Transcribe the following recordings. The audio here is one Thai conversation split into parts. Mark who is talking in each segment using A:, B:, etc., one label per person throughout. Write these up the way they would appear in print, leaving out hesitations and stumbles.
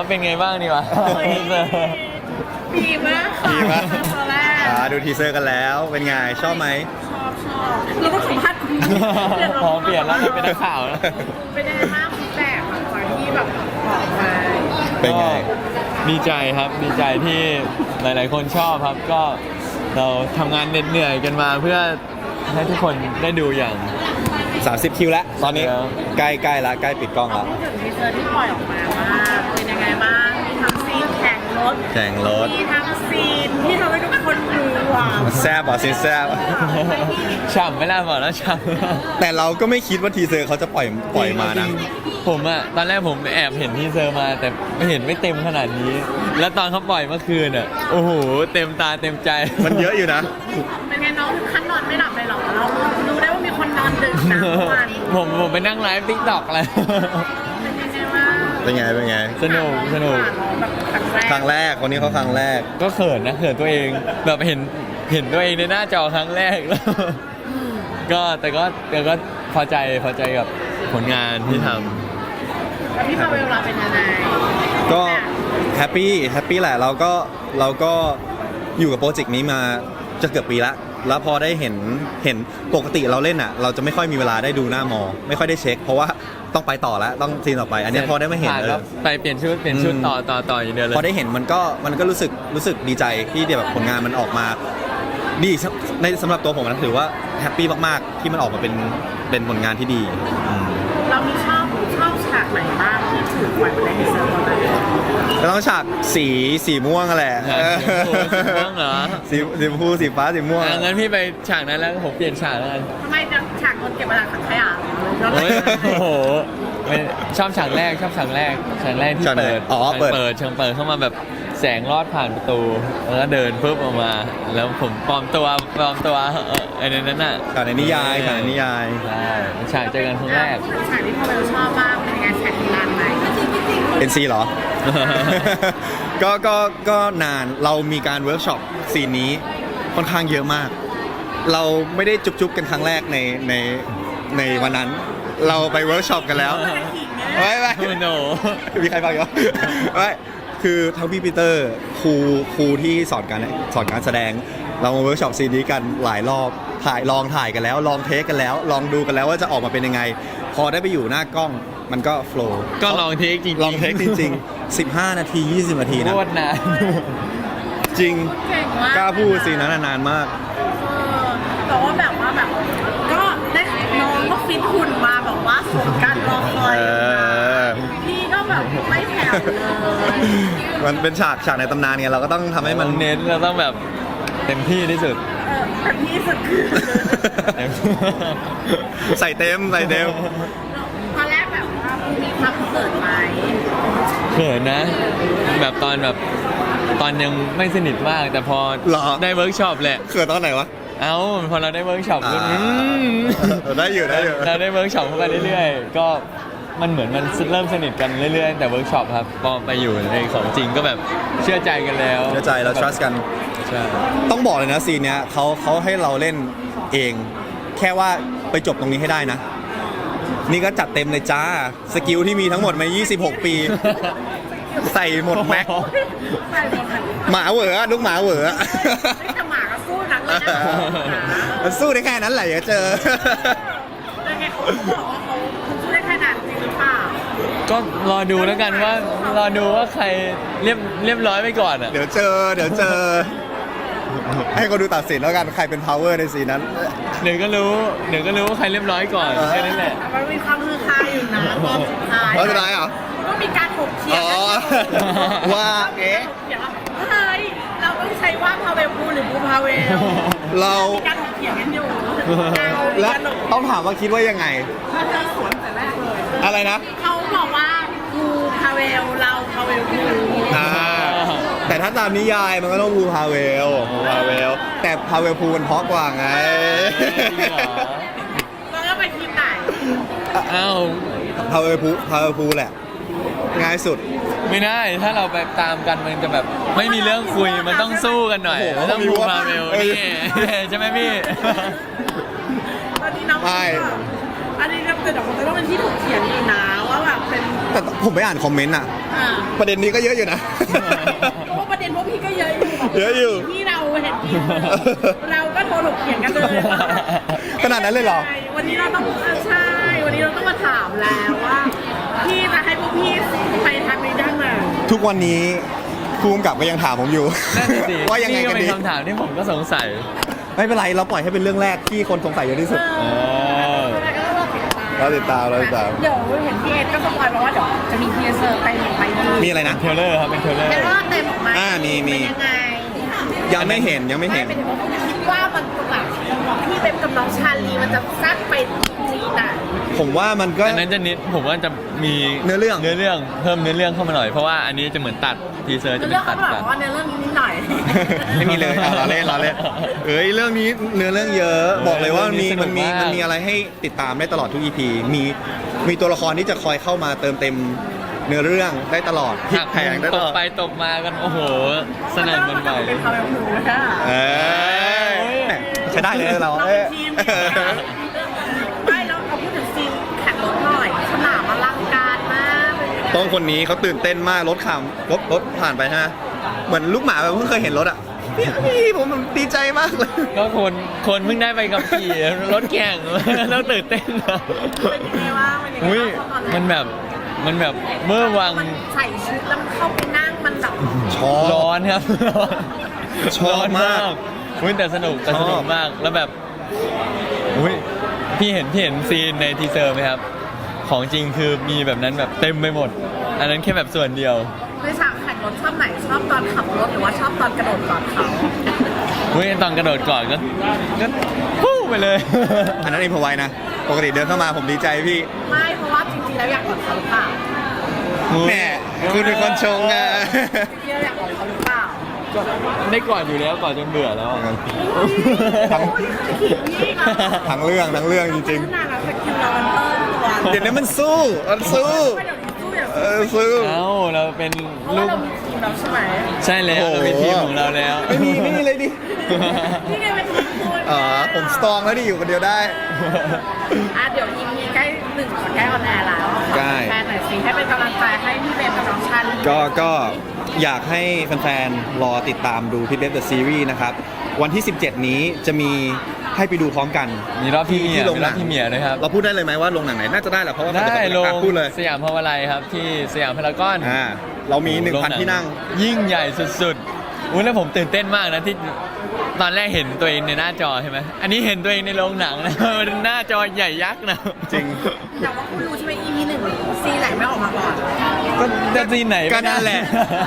A: เป็นไงบ้างดีวะ
B: ดีมากค่ะ
C: ดีมาก
B: ตอนแรก
C: ดูทีเซอร์กันแล้วเป็นไงชอบไหม
B: ชอบเราต้องสัมภาษณ์คุณ
A: พอเปลี่ยนแล้วเป็นนักข่าวแล้ว
B: เป็นยังไงบ้างฟีดแบ็กหลังจากที่แบบออกมา
C: เป็นไง
A: ดีใจครับดีใจที่หลายๆคนชอบครับก็เราทำงานเหนื่อยกันมาเพื่อให้ทุกคนได้ดูอย่าง
C: 30 คิวแล้วตอนนี้
A: แล้ว
C: ใกล้ละใกล้ปิดกล้องแล้ว
B: พูดถึงทีเซอร์ที่ปล่อยออกมาว่าเป็นยังไงบ้างมีทั้งซีนแข่งรถ
C: แข่งรถ
B: มีทั้งซีนที่ทำให้ทุกคนดูว้าว
C: แซบอ่ะซีนแซบ
A: ฉ่ำไม่ล่าบอกแล้วฉ่ำ
C: แต่เราก็ไม่คิดว่าทีเซอร์เขาจะปล่อยมานะ
A: ผมอะตอนแรกผมแอบเห็นทีเซอร์มาแต่ไม่เห็นไม่เต็มขนาดนี้ แล้วตอนเขาปล่อยเมื่อคืนอะโอ้โหเต็มตาเต็มใจ
C: มันเยอะอยู่นะ
B: เป็นไงน้องถึงขั้นนอนไม่หลับเลยเหรอเรารู้ได้ว่ามีคนนอนดึกนะเมื่อวาน
A: ผมไปนั่งไลฟ์ติ๊กต็อกเลย
B: เป็นยังไงบ้าง
C: เป็นไงเป็นไง
A: สนุกสนุก
B: แบบครั้งแรก
C: ครั้งแรกคนนี้เขาครั้งแรก
A: ก็เขินนะเขินตัวเองแบบเห็นตัวเองในหน้าจอครั้งแรก แล้วก็แต่ก็พอใจกับผลงานที่ทำ
B: แล้วพี่พาเวลเราเป็นยังไง
C: ก็แฮปปี้แหละเราก็อยู่กับโปรเจกต์นี้มาจะเกือบปีละแล้วพอได้เห็นปกติเราเล่นอ่ะ เราจะไม่ค่อยมีเวลาได้ดูหน้ามอไม่ค่อยได้เช็ค เพราะว่าต้องไปต่อแล้วต้องซีนต่อไป อันนี้พอได้มาเห็น
A: ผ่แล้วไปเปลี่ยนชุดต่ออย่างเดียวเลย
C: พอได้เห็นมันก็รู้สึกดีใจที่แบบผลงานมันออกมาดีในสำหรับตัวผมนะถือว่าแฮปปี้มากๆที่มันออกมาเป็นผลงานที่ดีอืม
B: เรามีชอบฉากไหนบ้างที่ถูกปล่อยในทีเซอร์ตอนนั้น
C: ก็ต้องฉากสีม่วงแหละ
A: ฉากสีม่วงเหรอ
C: สีชมพูสีฟ้าสีม่วง
A: งั้นพี่ไปฉากนั้นแล้วผมเปลี่ยนฉากแล้วกัน
B: ทำไมจะฉากคนเก็บมาจากถังขยะ
A: โอ้โหชอบฉากแรกที่
C: ฉากไหน
A: เปิด
C: อ๋อเปิด
A: เชิงเปิดเข้ามาแบบแสงลอดผ่านประตูแล้วก็เดินปุ๊บออกมา แล้วผมปลอมตัวไอ้นั้นน่ะ
C: ฉากในนิยายฉากในนิยาย
A: ใช่ฉากเจอกันครั้งแรก
B: พูดถึงฉากที่พาเวลชอบมากเป็นยังไงฉากที่ร้านไหม
C: NC เหรอ ก็นานเรามีการเวิร์กช็อปซีนนี้ค่อนข้างเยอะมาก เราไม่ได้จุ๊บๆกันครั้งแรกในวันนั้น เราไปเวิร์กช็อปกันแล้วไม่
A: โอ้โห
C: มีใครฟังอยู่ไม่คือทั้งพี่ปีเตอร์ครูที่สอนการแสดง เรามาเวิร์กช็อปซีนนี้กันหลายรอบลองถ่ายกันแล้วลองเทคกันแล้ว ลองดูกันแล้วว่าจะออกมาเป็นยังไง พอได้ไปอยู่หน้ากล้องมันก็โฟล์
A: ก็ลองเทคจริงๆ
C: ลองเทคจริงๆ 15 นาที 20 นาทีนะ
A: โคตรนาน
C: จริง
B: เก่งมาก
C: กล้าพูดซีนนั้นนานมาก
B: แต่ว่าแบบก็ได้น้องก็ฟิตหุ่นมาแบบว่าสมการรอคอยพี่ก็แบบไม่แผ่วเลย
C: มันเป็นฉากในตำนานไงเราก็ต้องทำให้มัน
A: เน้นเราต้องแบบเต็มที่ที่สุด
B: แต่พี่สุดคือ
C: ใส่เต็ม
B: ตอนแรกแบบว่ามีความเขินไหม
A: เขินนะ แบบตอนยังไม่สนิทมาก แต่พอ
C: เหรอ
A: ได้เวิร์กช็อปแหละ
C: เขินตอนไหนวะ
A: เอ้าพอเราได้เวิร์กช็อปก็
C: ได้อยู่
A: เราได้เวิร์กช็อปเข้าไปเรื่อยๆ ก็มันเหมือนมันเริ่มสนิทกันเรื่อยๆแต่เวิร์กช็อปครับพอไปอยู่ในของจริงก็แบบเชื่อใจกันแล้ว
C: เชื่อใจเรา trust กัน
A: ใช่
C: ต้องบอกเลยนะซีนเนี้ยเขาให้เราเล่นเอง แค่ว่าไปจบตรงนี้ให้ได้นะ นี่ก็จัดเต็มเลยจ้า สกิลที่มีทั้งหมดมา 26 ปี ใส่หมดแม็ก
B: ใช่หมดเลย
C: หมาเหวอลูกหมาเหวอ
B: ไม่แต่หมาก็สู้หนักเลยนะ
C: มันสู้ได้แค่นั้นแหละอย่าเจอ
B: แล้วไงเขาบอกว่าเขาสู้ได้ขนาดจริงหรือเปล่า
A: ก็รอดูแล้วกันว่ารอดูว่าใครเรียบร้อยไปก่อนอ่ะ
C: เดี๋ยวเจอ ให้คนดูตัดสินแล้วกันใครเป็น power ในซีนนั้น
A: เดี๋ยวก็รู้ว่าใครเรียบร้อยก่อนแค่นั้นแหละ
B: แต่มันมีความฮือฮาอยู่นะตอนสุดท้าย
C: ตอนสุดท้ายเหรอ
B: ก็มีการถกเถียง
C: อ๋อ ว่าเอ๊ะ
B: เถียงว่าเฮ้ยเราต้องใช้ว่าพาเวลกูหรือกูพาเวล
C: เรา
B: มีการถกเถียงกันอยู่
C: และต้องถามว่าคิดว่ายังไง
B: เขาจะสวนแต่แรกเลย
C: อะไรนะ
B: เขาบอกว่ากูพาเวลเราพาเวลกู
C: อ่าแต่ถ้าตามนิยายมันก็ต้องภูพาเวลแต่พาเวลภูมันเพราะกว่าไง
B: แล้วก็ไปทีมไหน
A: อ้าว
C: พาเวลภูแหละ ง่ายสุด
A: ไม่ได้ถ้าเราไปตามกันมันจะแบบไม่มีเรื่องคุยมันต้องสู้กันหน่อย
C: โอ้โห
A: มันต้องบูมาเวลนี่ใช่ไหมพี่
B: ตอนนี้น้อง
C: ไม่
B: อันนี้ก็แต่เดี๋ยวมันจะต้องเป็นที่ถกเถียงอีกนะว่าแบบเป็น
C: แต่ผมไปอ่านคอมเมนต์อะ
B: อ่า
C: ประเด็นนี้ก็เยอะอยู่นะ
B: เพราะว่าประเด็นพวกพี่ก็เยอะอยู่
C: เยอะอยู่
B: ที่เราเห็นพี่เราก็โทรถกเถียงกันเลยว่า
C: ขนาดนั้นเลยเหรอ
B: ใช่วันนี้เราต้องใช่ วันนี้เราต้องมาถามแล้วว่าพี่จะให้พวกพี่ไปทางนี้ได้ไหม
C: ทุกวันนี้ภูมิกับก็ยังถามผมอยู่
A: นั่นน่ะสิ
C: ว่ายังไง
A: นี่
C: กัน
A: เป็น
C: ดี
A: คำถามที่ผมก็สงสัย
C: ไม่เป็นไรเราปล่อยให้เป็นเรื่องแรกที่คนสงสัยเยอะที่สุด เราติดตาม
B: เดี๋ยวเห็นพี่เอ็ดก็สปอยล์มาว่าเดี๋ยวจะมีทีเซอร์เต็มออกมาดี
C: มีอะไรนะ
A: เทรลเลอร์ครับเป็นเทรลเลอร์
B: เห็นว่าเต็มออกมา
C: มี
B: เป็นยังไง
C: ยังไม่เห็น
B: ไม่เป็นว่าคุณคิดว่ามันแบบพี่เต็มกับน้องชาลีมันจะแซ่บไปทีไหน
C: ผมว่ามันก็
A: อันนั้นจะนิดผมว่าจะมี
C: เนื้อเรื่อง
A: เพิ่มเนื้อเรื่องเข้ามาหน่อยเพราะว่าอันนี้จะเหมือนตัดทีเซอร์จะเป็
B: เรื่อง
A: นตั
B: เขา
A: ด
B: บอกว่าในเรื่องนี้นิดหน่อย
C: ไม่มีเลยเราเล่นเอ้ยเรื่องนี้เนื้อเรื่องเยอะ บอกเลยว่ามันมีอะไรให้ติดตามได้ตลอดทุก EP มีตัวละครที่จะคอยเข้ามาเติมเต็มเนื้อเรื่องได้ตลอดพลิกแพงได้
A: ต
C: ต
A: ก
C: ลอด
A: ไปตกมากันโอ้โหสนั่นหวันไหว
B: เป็นคำแบบหนูนะ
C: เอ้ยใช้ได้เลยเรา
B: เราเป็นทีมไม่เราเอาพูดถึงซีนแข่งรถหน่อยสนามอลังการมาก
C: ต้องคนนี้เขาตื่นเต้นมากรถผ่านไปฮะเหมือนลูกหมาแบบเพิ่งเคยเห็นรถอ่ะพี่ผมดีใจมากเลย
A: ก็คนเพิ่งได้ไปกับขี่รถแข่ง แล้วตื่นเต้นนะ
B: เป็นยังไงวะเป็นยังไง
A: อุ้ย
B: วะตอนแรก
A: มันแบบเมื่อวัง
B: มันใส่ชุดแล้วมันเข้าไปนั่งมันแบบ
C: ชอบ
A: ร้อนครับ
C: ชอบมาก
A: อุ้ยแต่สนุกมากแล้วแบบอุ้ยพี่เห็นซีนในทีเซอร์ไหมครับ ของจริงคือมีแบบนั้นแบบเต็มไปหมด อันนั้นแค่แบบส่วนเดียว
B: ในฉากแข่งรถชอบไหนชอบตอนขับรถหรือว่าชอบตอนกระโดดก่อนเขา
A: อุ้ยตอนกระโดดก่อนก็ฟู่ไปเลย
C: อันนั้นเองพอไว้นะ ปกติเดินเข้ามาผมดีใจพี่
B: ไม่เพราะว่าจริงๆแล้วอยากกอดเขาหรือเปล่า
C: แม่คุณเป็นคนชงอะ
B: จริงๆแล้วอยากกอดเขาหรือเปล่า
A: ก็ได้ก่อนอยู่แล้วก่อนจนเบื่อแล้วอะ
C: ทั้ง
B: ขิงนี่นะ
C: ทั้งเรื่องจริง
B: นานแล้วสกินเรามันเพิ่มตัว
C: ๆ เดี๋ยวนี้มันสู้
B: ไม่เดี๋ยวนี้สู้อย่าง
C: สู้
A: เอ้าเราเป็น
B: เพราะ
A: ลู
B: ว่าก เรามีทีมเราใช่ไหม
A: ใช่แล้วเราเป็นทีมของเราแล้ว
C: ไม่มีเลยดิ
B: นี่ไงเป็นทีมคุณ
C: อ๋อผมสตรองแล้วดิอยู่คนเดียวได้
B: เดี๋ยวยิมมีใกล้1ขอแก้ออนแอร์แล้ว
C: ใกล้
B: แฟนหน่อยสิให้เป็นกำลังใจให้พี่เบมกับน้องชัน
C: ก็อยากให้แฟนๆ รอติดตามดูพิทเบฟเดอะซีรีส์นะครับ วันที่ 17 นี้จะมีให้ไปดูพร้อมกัน
A: มีรอบพี่เมีย
C: ที่โรง
A: มี
C: ห
A: ร
C: นั
A: อบพี่เมียด้วยครับ
C: เราพูดได้เลยไหมว่าโรงหนังไหนน่าจะได้แหละเพราะว่า
A: ได้ลง
C: พูดเลย
A: สยามพาวาไลครับที่สยามพารากอน
C: เรามี
A: โรงห
C: 1,000 ที่นั่ง
A: ยิ่งใหญ่สุดๆอุ้ยแล้วผมตื่นเต้นมากนะที่ตอนแรกเห็นตัวเองในหน้าจอใช่ไหมอันนี้เห็นตัวเองในโรงหนังนะ หน้าจอใหญ่ยักษ์นะ
C: จริง
B: แต่ว่าคุณรู้ใช่ไหม EP 1ซีไหนไม่ออกมาก่อน
A: ก็จะซีนไหน
C: ก็
A: ไม่ได้
C: นั่นแหละ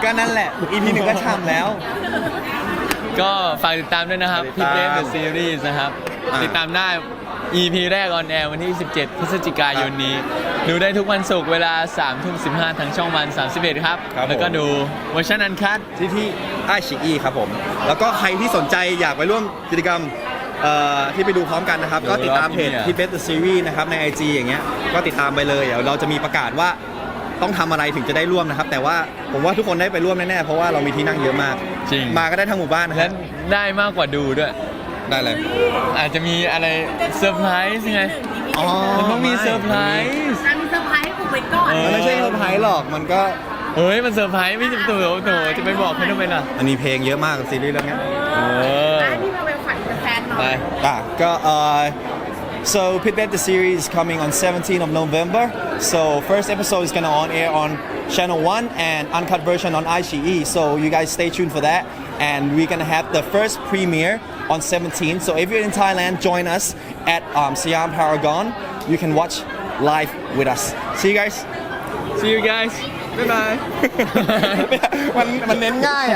C: EP 1ก็ช่ำแล้ว
A: ก็ฝากติดตามด้วยนะครับ
C: ติ
A: พี่
C: ด
A: เบ
C: ตาม
A: ฟเดอะซีรีส์นะครับ
C: อ่า
A: ติดตามได้ EP แรกออนแอร์วันที่ 17 พฤศจิกายนนี้ ดูได้ทุกวันศุกร์เวลา 3:15 ทางช่องวัน 31 ครับ แล้วก็ดูเวอร์ชันอันคัท
C: ที่ไอชิอีครับผม แล้วก็ใครที่สนใจอยากไปร่วมกิจกรรมที่ไปดูพร้อมกันนะครับ ก็ติดตามเพจที่เบสเดอะซีรีส์นะครับใน IG อย่างเงี้ยก็ติดตามไปเลยเดี๋ยวเราจะมีประกาศว่าต้องทำอะไรถึงจะได้ร่วมนะครับ แต่ว่าผมว่าทุกคนได้ไปร่วมแน่ๆเพราะว่าเรามีที่นั่งเยอะมาก
A: จริง
C: มาก็ได้ทั้งหมู่บ้านนะค
A: และ
C: รับ
A: ได้มากกว่าดูด้วย
C: ได้เลย
A: อาจจะมีอะไรเซอร์ไพรส์ไง
C: อ๋อ
A: มันต้องมีเซอร์ไพรส์
B: มีเซอร์ไพรส์ให้คุณไว้ก่อน
C: มันไม่ใช่เซอร์ไพรส์หรอกมันก็
A: เฮ้ย มันเซอร์ไพรส์ไม่ใช่ตัวจะไปบอกเขาทำไมล่ะ
C: มันมีเพลงเยอะมากซีรีส์เรื่องเนี้ย
B: พี่มาเป็นฝันเป็นแฟนหน่อ
A: ไป
B: ย
C: ก็so Pitbet the series is coming on 17th of November. So first episode is gonna on air on Channel 1 and uncut version on iQIYI. So you guys stay tuned for that. And we're gonna have the first premiere on 17th. So if you're in Thailand, join us at Siam Paragon. You can watch live with us. See you guys.
A: See you guys บ๊ายบาย
C: มันเน้นง่ายอ่ะ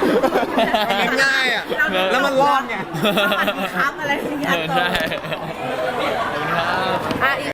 C: มันเน้นง่ายอ่ะ แล้วมันรอดไง
B: สวัสดีครับอะไรอย่างเงี้ย
A: ใช่